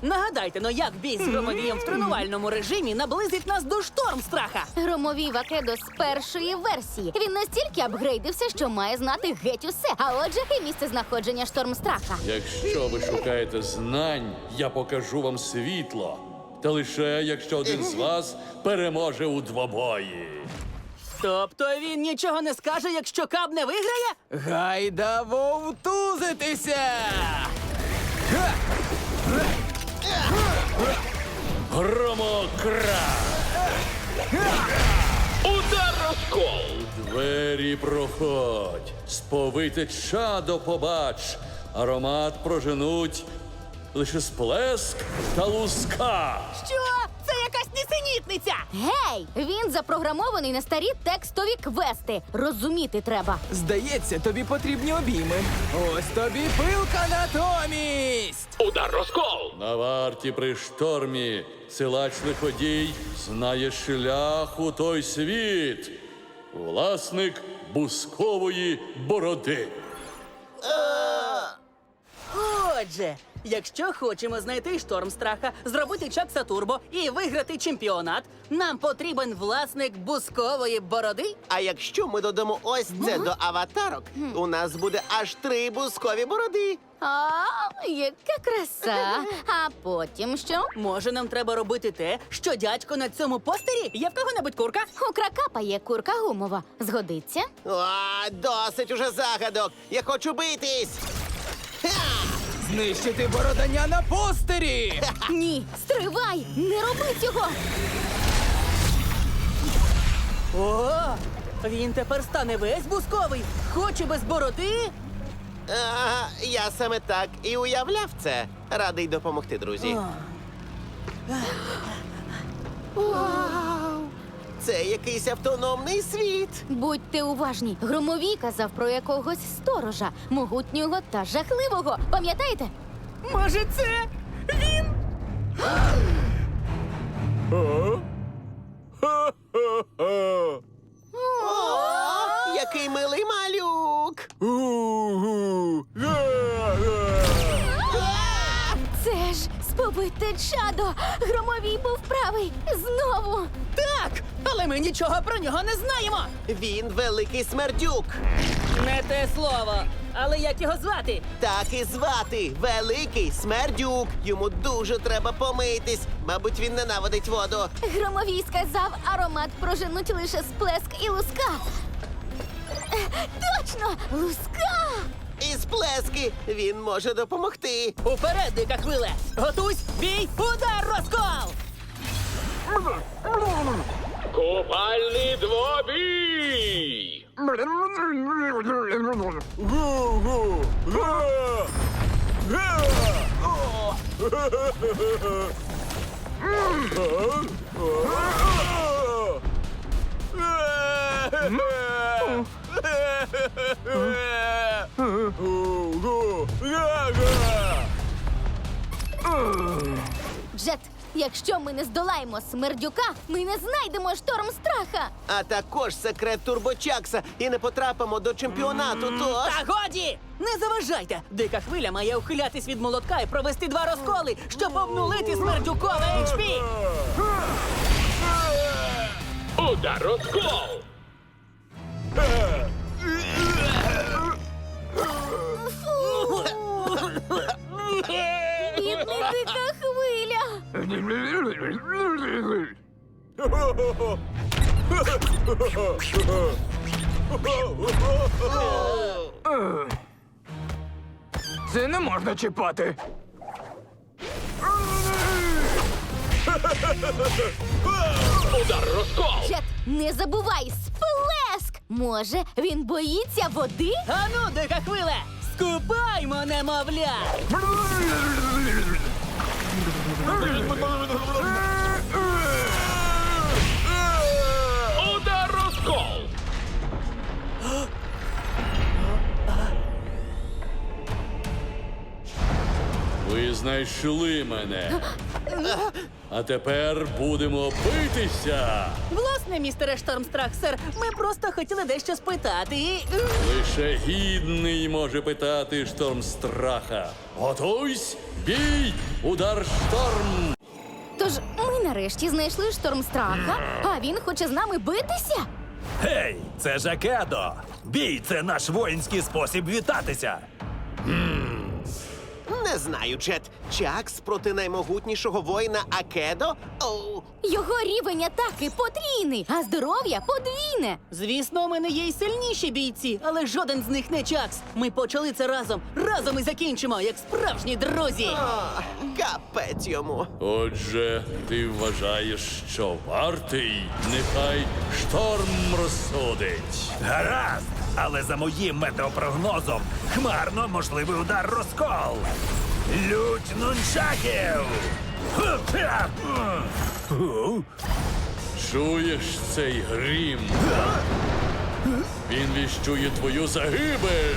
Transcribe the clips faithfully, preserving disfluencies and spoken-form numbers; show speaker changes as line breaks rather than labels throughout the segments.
Нагадайте, ну як бій з Громовієм в тренувальному режимі наблизить нас до Штормстраха?
Громовій Вакедо з першої версії. Він настільки апгрейдився, що має знати геть усе. А отже, і місце знаходження Штормстраха.
Якщо ви шукаєте знань, я покажу вам світло. Та лише якщо один з вас переможе у двобої.
Тобто він нічого не скаже, якщо Каб не виграє?
Гайда вовтузитися!
Громокра!
Удар розкол!
Двері проходь, сповите чадо побач, аромат проженуть лише сплеск та луска.
Що? Це якась нісенітниця!
Гей! Він запрограмований на старі текстові квести. Розуміти треба.
Здається, тобі потрібні обійми. Ось тобі пилка натомість!
Удар розкол!
На варті при штормі силач лиходій знає шлях у той світ. Власник бускової бороди.
Отже, якщо хочемо знайти Штормстраха, зробити Чакса Турбо і виграти чемпіонат, нам потрібен власник бускової бороди.
А якщо ми додамо ось це до аватарок, у нас буде аж три бускові бороди.
А, яка краса! А потім що?
Може, нам треба робити те, що дядько на цьому постері? Є в кого-небудь курка?
У Кракапа є курка гумова. Згодиться?
О, досить уже загадок. Я хочу битись. Ха!
Знищити бородання на постері!
Ні, стривай! Не роби цього!
О, він тепер стане весь бусковий. Хоче без бороди?
А, я саме так і уявляв це. Радий допомогти, друзі. Вау! Це якийсь автономний світ.
Будьте уважні. Громовій казав про якогось сторожа, могутнього та жахливого. Пам'ятаєте?
Може, це він?
О, який милий малюк.
Це ж сповите чадо! Громовій був правий! Знову!
Так, але ми нічого про нього не знаємо.
Він великий смердюк.
Не те слово. Але як його звати?
Так і звати Великий Смердюк. Йому дуже треба помитись. Мабуть, він ненавидить воду.
Громовій сказав, аромат проженуть лише сплеск і луска. Е, Точно! Луска!
І сплески він може допомогти.
Уперед, дика хвиле! Готуйсь, бій, удар, розкол!
Купальний двобій!
Джет, якщо ми не здолаємо смердюка, ми не знайдемо Штормстраха.
А також секрет Турбочакса і не потрапимо до чемпіонату, тож...
Та годі! Не заважайте! Дика хвиля має ухилятись від молотка і провести два розколи, щоб обнулити смердюкове ейч пі!
Удар розкол!
Бідний дика хвиля.
Це не можна чіпати.
Удар розкол!
Джет, не забувай, сплеск! Може, він боїться води?
Ану, дика хвиле! Скупаймо, немовля!
Удар розкол!
Ви знайшли мене. А тепер будемо битися.
Власне, містере Штормстрах, сер, ми просто хотіли дещо спитати. і-
Лише гідний може питати шторм страха. Готуйсь, бій, удар шторм.
Тож ми нарешті знайшли шторм страха, а він хоче з нами битися.
Гей, це ж Акедо! Бій це наш воїнський спосіб вітатися.
Не знаю, Джет. Чакс проти наймогутнішого воїна Акедо? Оу.
Його рівень атаки потрійний, а здоров'я подвійне.
Звісно, у мене є й сильніші бійці, але жоден з них не Чакс. Ми почали це разом. Разом і закінчимо, як справжні друзі.
А, капець йому.
Отже, ти вважаєш, що вартий? Нехай шторм розсудить.
Гаразд! Але за моїм метеопрогнозом хмарно можливий удар розкол. Лють нунчаків! Ху-хя! Ху.
Чуєш цей грім? Він віщує твою загибель.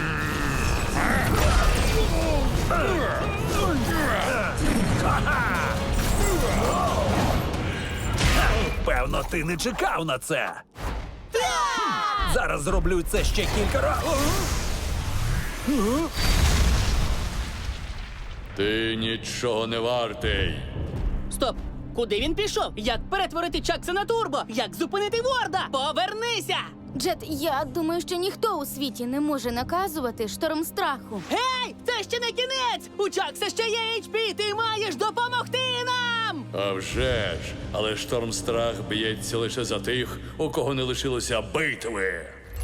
Певно, ти не чекав на це. Зараз зроблю це ще кілька разів.
Ти нічого не вартий.
Стоп! Куди він пішов? Як перетворити Чакса на турбо? Як зупинити Ворда? Повернися!
Джет, я думаю, що ніхто у світі не може наказувати шторм страху.
Гей! Це ще не кінець! У Чакса ще є ейч пі! Ти маєш допомогти нам!
А вже ж, але шторм страх б'ється лише за тих, у кого не лишилося битви.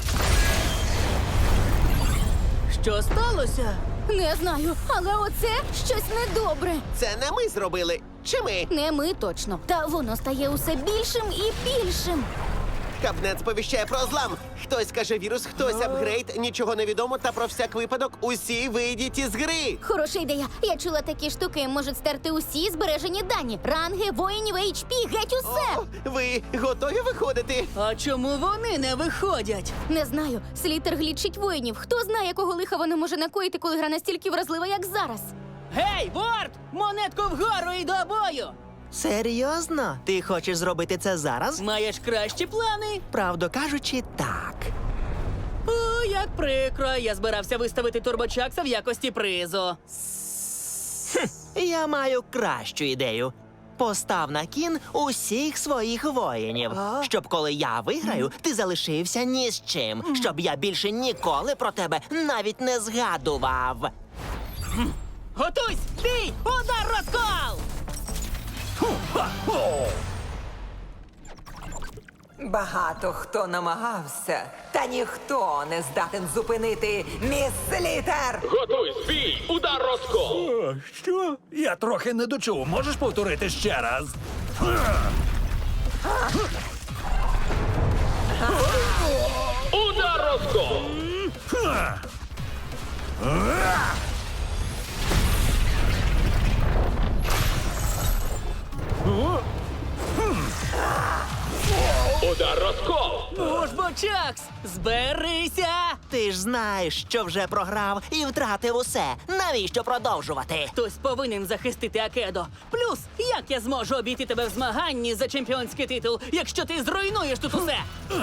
Що сталося?
Не знаю, але оце щось недобре.
Це не ми зробили. Чи ми?
Не ми точно. Та воно стає усе більшим і більшим.
Кабнет сповіщає про злам. Хтось каже вірус, хтось апгрейд, нічого не відомо, та про всяк випадок усі вийдіть із гри.
Хороша ідея. Я чула, такі штуки можуть стерти усі збережені дані. Ранги, воїнів, ейч пі, геть усе.
О, ви готові виходити?
А чому вони не виходять?
Не знаю. Слітер глічить воїнів. Хто знає, якого лиха вони може накоїти, коли гра настільки вразлива, як зараз.
Гей, Ворд! Монетку вгору і до бою!
Серйозно? Ти хочеш зробити це зараз?
Маєш кращі плани?
Правду кажучи, так.
О, як прикро. Я збирався виставити турбочакса в якості призу.
Я маю кращу ідею. Постав на кін усіх своїх воїнів, щоб коли я виграю, ти залишився ні з чим, щоб я більше ніколи про тебе навіть не згадував.
Готуйсь! Бій! Удар розкол!
Багато хто намагався, та ніхто не здатен зупинити міс Літер!
Готуй бій, удар розкол.
О, що? Я трохи не дочув. Можеш повторити ще раз?
Удар розкол. Удар розкол.
Ну ж бо, Чакс, зберися!
Ти ж знаєш, що вже програв і втратив усе. Навіщо продовжувати?
Хтось повинен захистити Акедо. Плюс, як я зможу обійти тебе в змаганні за чемпіонський титул, якщо ти зруйнуєш тут усе?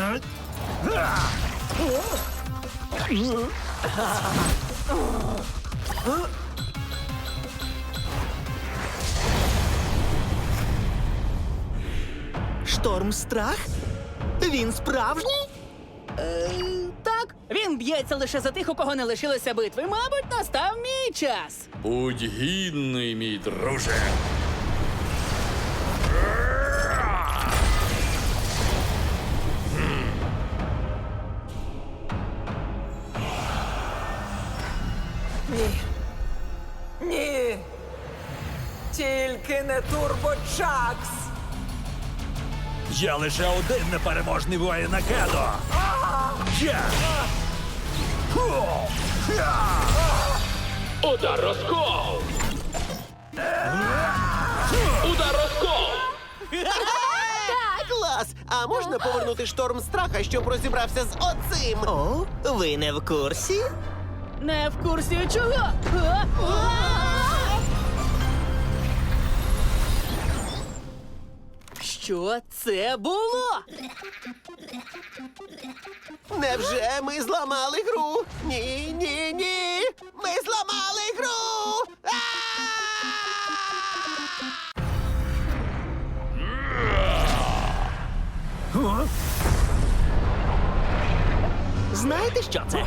Шторм страх? Він справжній?
Так, він б'ється лише за тих, у кого не лишилося битви. Мабуть, настав мій час.
Будь гідний, мій друже.
Ні! Тільки не Турбочакс!
Я лише один непереможний воїн Акедо. Я! Ху! Я!
Удар розкол. Удар розкол.
Клас! А можна повернути шторм страха, щоб розібрався з оцим?
О, ви не в курсі?
Не в курсі чого? А? А? Що це було?
Невже ми зламали гру? Ні, ні, ні! Ми зламали гру! А!
Знаєте, що це?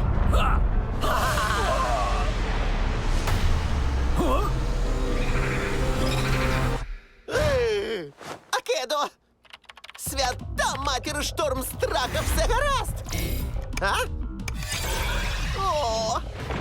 Е, Акедо! Свята матір шторм страха, все гаразд! А? О!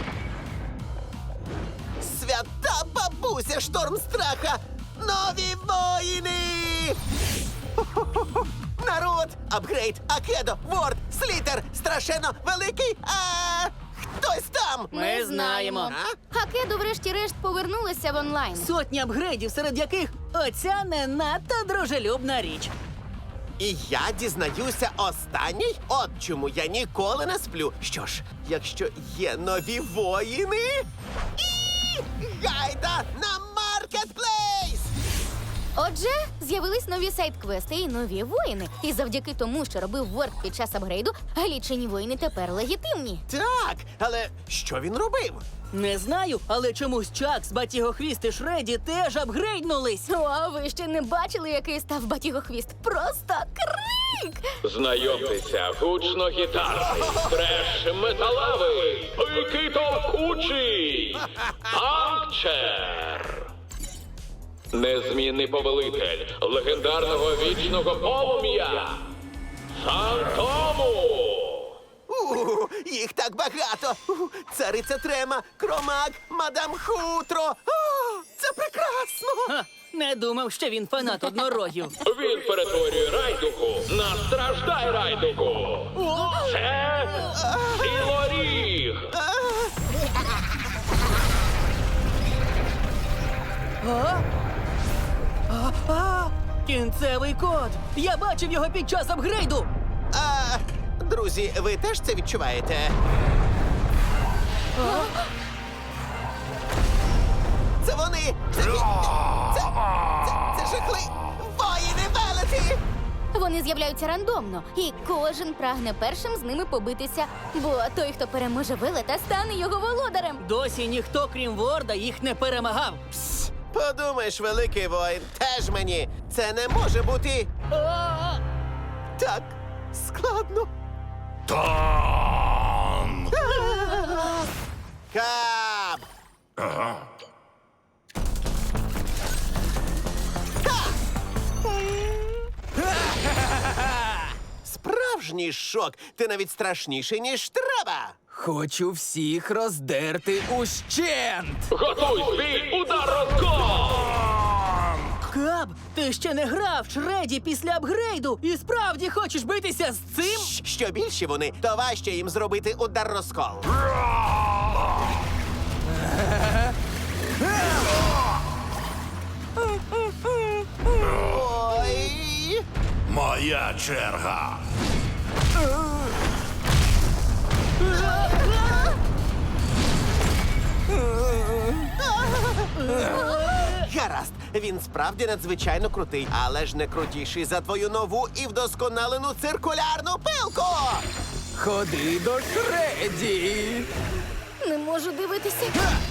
Свята бабуся шторм страха! Нові воїни! Хо-хо-хо-хо! Народ! Апгрейд! Акедо! Ворд! Слітер! Страшенно великий! А хтось там!
Ми знаємо.
А?
Хакеду врешті-решт повернулися в онлайн.
Сотні апгрейдів, серед яких оця не надто дружелюбна річ.
І я дізнаюся останній? От чому я ніколи не сплю. Що ж, якщо є нові воїни, і гайда на маркетплейс!
Отже, з'явились нові сайт-квести і нові воїни. І завдяки тому, що робив Ворд під час апгрейду, глічені воїни тепер легітимні.
Так, але що він робив?
Не знаю, але чомусь Чакс, Батігохвіст і Шреді теж апгрейднулись.
О, а ви ще не бачили, який став Батігохвіст? Просто крик!
Знайомтеся, гучно-гітарний, треш металевий, пики товкучий, Панкчер. Незмінний повелитель легендарного вічного полум'я Фантому.
У, їх так багато. У, цариця Трема, Кромак, мадам Хутро. О, це прекрасно!
Ха, не думав, що він фанат однорогів.
Він перетворює райдуку на страждай райдуку. Це цілоріг.
А, кінцевий код! Я бачив його під час апгрейду!
А, друзі, ви теж це відчуваєте? Це вони! Це, це, це, це жахли! Воїни велеті!
Вони з'являються рандомно, і кожен прагне першим з ними побитися. Бо той, хто переможе велета, стане його володарем.
Досі ніхто, крім Ворда, їх не перемагав.
Подумаєш, великий воїн, теж мені. Це не може бути
А,
так складно.
Танк!
Кап! Справжній шок. Ти навіть страшніший, ніж треба.
Хочу всіх роздерти ущент!
Готуй свій удар розкол!
Каб, ти ще не грав Шреді після апгрейду і справді хочеш битися з цим?
Щ- Що більші вони, то важче їм зробити удар розкол. Ой!
Моя черга!
Гаразд, він справді надзвичайно крутий, але ж не крутіший за твою нову і вдосконалену циркулярну пилку!
Ходи до Шреді!
Не можу дивитися.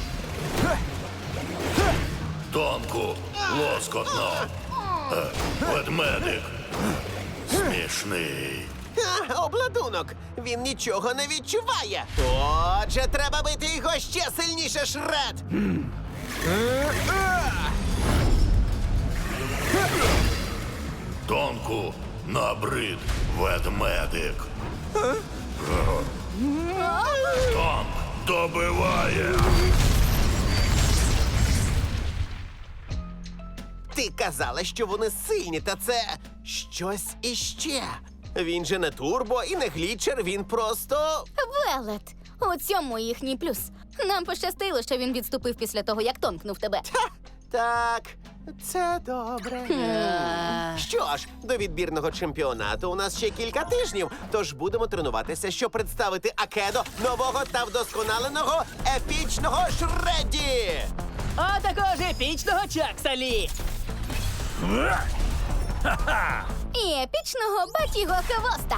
Тонку, лоскотно. Е, Ведмедик. Смішний.
А, обладунок! Він нічого не відчуває! Отже, треба бити його ще сильніше, Шред!
Тонку, набрид, ведмедик. Тонк добиває.
Ти казала, що вони сильні, та це щось іще. Він же не турбо і не глічер, він просто.
Велет. У цьому їхній плюс. Нам пощастило, що він відступив після того, як тонкнув тебе.
Ха! Так, це добре. Що ж, до відбірного чемпіонату у нас ще кілька тижнів, тож будемо тренуватися, щоб представити Акедо нового та вдосконаленого епічного Шредді!
А також епічного Чакса Лі.
І епічного Батіго Хвоста.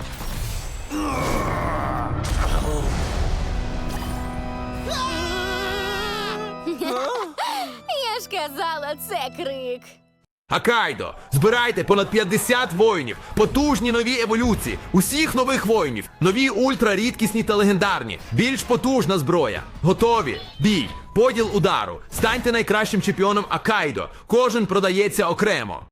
Я ж казала, це крик.
Акайдо, збирайте понад п'ятдесят воїнів, потужні нові еволюції, усіх нових воїнів, нові ультрарідкісні та легендарні, більш потужна зброя. Готові? Бій, поділ удару. Станьте найкращим чемпіоном Акайдо. Кожен продається окремо.